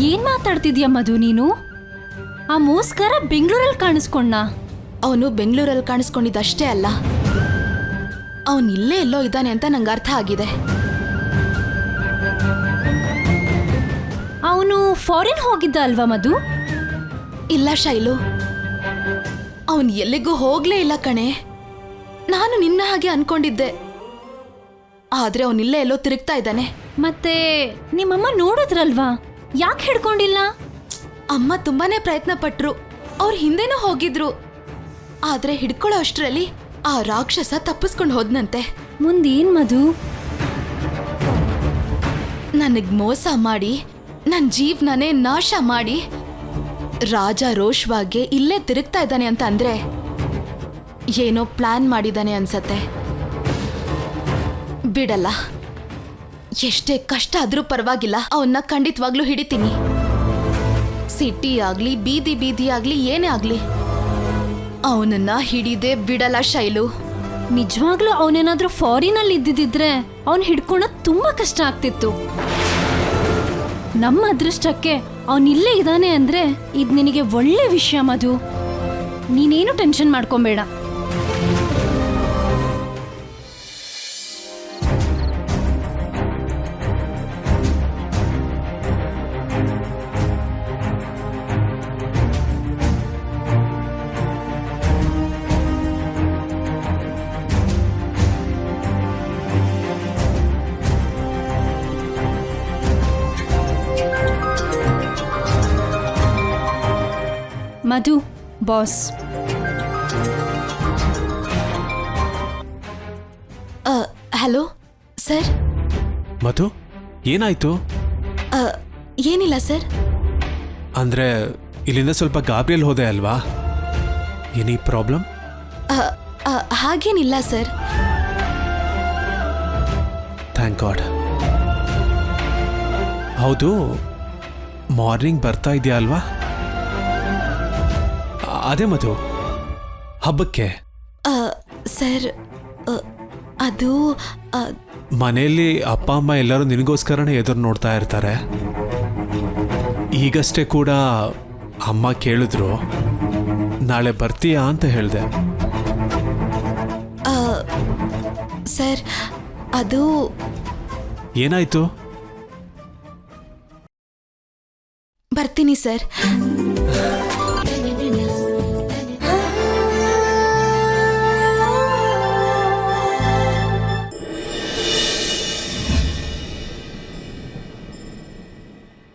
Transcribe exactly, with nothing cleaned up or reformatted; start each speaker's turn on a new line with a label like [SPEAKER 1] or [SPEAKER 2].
[SPEAKER 1] ಏನ್ ಮಾತಾಡ್ತಿದ್ಯಾ ಮಧು ನೀನು? ಆ ಮೋಸ್ಕರ ಬೆಂಗಳೂರಲ್ಲಿ ಕಾಣಿಸ್ಕೊಂಡ.
[SPEAKER 2] ಅವನು ಬೆಂಗಳೂರಲ್ಲಿ ಕಾಣಿಸ್ಕೊಂಡಿದ್ದಷ್ಟೇ ಅಲ್ಲ, ಅವನು ಇಲ್ಲೇ ಎಲ್ಲೋ ಇದ್ದಾನೆ ಅಂತ ನಂಗೆ ಅರ್ಥ ಆಗಿದೆ.
[SPEAKER 1] ಅವನು ಫಾರಿನ್ ಹೋಗಿದ್ದ ಅಲ್ವಾ ಮಧು?
[SPEAKER 2] ಇಲ್ಲ ಶೈಲು, ಅವನು ಎಲ್ಲಿಗೂ ಹೋಗ್ಲೇ ಇಲ್ಲ ಕಣೆ. ನಾನು ನಿನ್ನ ಹಾಗೆ ಅನ್ಕೊಂಡಿದ್ದೆ, ಆದ್ರೆ ಅವನಿಲ್ಲೇ ಎಲ್ಲೋ ತಿರುಗ್ತಾ ಇದ್ದಾನೆ.
[SPEAKER 1] ಮತ್ತೆ ನಿಮ್ಮಮ್ಮ ನೋಡಿದ್ರಲ್ವಾ, ಯಾಕೆ ಹಿಡ್ಕೊಂಡಿಲ್ಲ?
[SPEAKER 2] ಅಮ್ಮ ತುಂಬಾನೇ ಪ್ರಯತ್ನ ಪಟ್ರು, ಅವ್ರ ಹಿಂದೆನೂ ಹೋಗಿದ್ರು. ಆದ್ರೆ ಹಿಡ್ಕೊಳ್ಳೋ ಅಷ್ಟರಲ್ಲಿ ಆ ರಾಕ್ಷಸ ತಪ್ಪಿಸ್ಕೊಂಡು ಹೋದ್ನಂತೆ.
[SPEAKER 1] ಮುಂದೇನ್ ಮಧು?
[SPEAKER 2] ನನಗ್ ಮೋಸ ಮಾಡಿ ನನ್ನ ಜೀವನನೇ ನಾಶ ಮಾಡಿ ರಾಜ ರೋಷ್ವಾಗೆ ಇಲ್ಲೇ ತಿರುಗ್ತಾ ಇದ್ದಾನೆ ಅಂತ ಅಂದ್ರೆ ಏನೋ ಪ್ಲಾನ್ ಮಾಡಿದಾನೆ ಅನ್ಸತ್ತೆ. ಬಿಡಲ್ಲ, ಎಷ್ಟೇ ಕಷ್ಟ ಆದ್ರೂ ಪರವಾಗಿಲ್ಲ, ಅವನ್ನ ಖಂಡಿತವಾಗ್ಲೂ ಹಿಡಿತೀನಿ. ಸಿಟಿ ಆಗ್ಲಿ ಬೀದಿ ಬೀದಿ ಆಗ್ಲಿ ಏನೇ ಆಗ್ಲಿ ಅವನನ್ನ ಹಿಡಿದೇ ಬಿಡಲ್ಲ ಶೈಲು.
[SPEAKER 1] ನಿಜವಾಗ್ಲೂ ಅವನೇನಾದ್ರೂ ಫಾರಿನ್ ಅಲ್ಲಿ ಇದ್ದಿದ್ರೆ ಅವನ್ ಹಿಡ್ಕೊಳೋದ್ ತುಂಬಾ ಕಷ್ಟ ಆಗ್ತಿತ್ತು. ನಮ್ಮ ಅದೃಷ್ಟಕ್ಕೆ ಅವನ್ ಇಲ್ಲೇ ಇದ್ದಾನೆ ಅಂದ್ರೆ ಇದ್ ನಿನಗೆ ಒಳ್ಳೆ ವಿಷಯ ಮಧು. ನೀನೇನು ಟೆನ್ಷನ್ ಮಾಡ್ಕೊಂಬೇಡ. Madhu boss.
[SPEAKER 2] Hello sir.
[SPEAKER 3] Madhu, ಏನಾಯ್ತು?
[SPEAKER 2] ಏನಿಲ್ಲ ಸರ್.
[SPEAKER 3] ಅಂದ್ರೆ ಇಲ್ಲಿಂದ ಸ್ವಲ್ಪ ಗಾಬರಿಯಲ್ಲಿ ಹೋದೆ ಅಲ್ವಾ? Any problem?
[SPEAKER 2] ಹಾಗೇನಿಲ್ಲ ಸರ್.
[SPEAKER 3] Thank God. ಹೌದು, ಮಾರ್ನಿಂಗ್ ಬರ್ತಾ ಇದೆಯಾ ಅಲ್ವಾ? ಅದೇ ಮಧು, ಹಬ್ಬಕ್ಕೆ.
[SPEAKER 2] ಸರ್ ಅದು
[SPEAKER 3] ಮನೆಯಲ್ಲಿ ಅಪ್ಪ ಅಮ್ಮ ಎಲ್ಲರೂ ನಿನಗೋಸ್ಕರನೇ ಎದುರು ನೋಡ್ತಾ ಇರ್ತಾರೆ. ಈಗಷ್ಟೇ ಕೂಡ ಅಮ್ಮ ಕೇಳಿದ್ರು, ನಾಳೆ ಬರ್ತೀಯಾ ಅಂತ ಹೇಳಿದೆ.
[SPEAKER 2] ಸರ್ ಅದು
[SPEAKER 3] ಏನಾಯ್ತು?
[SPEAKER 2] ಬರ್ತೀನಿ ಸರ್.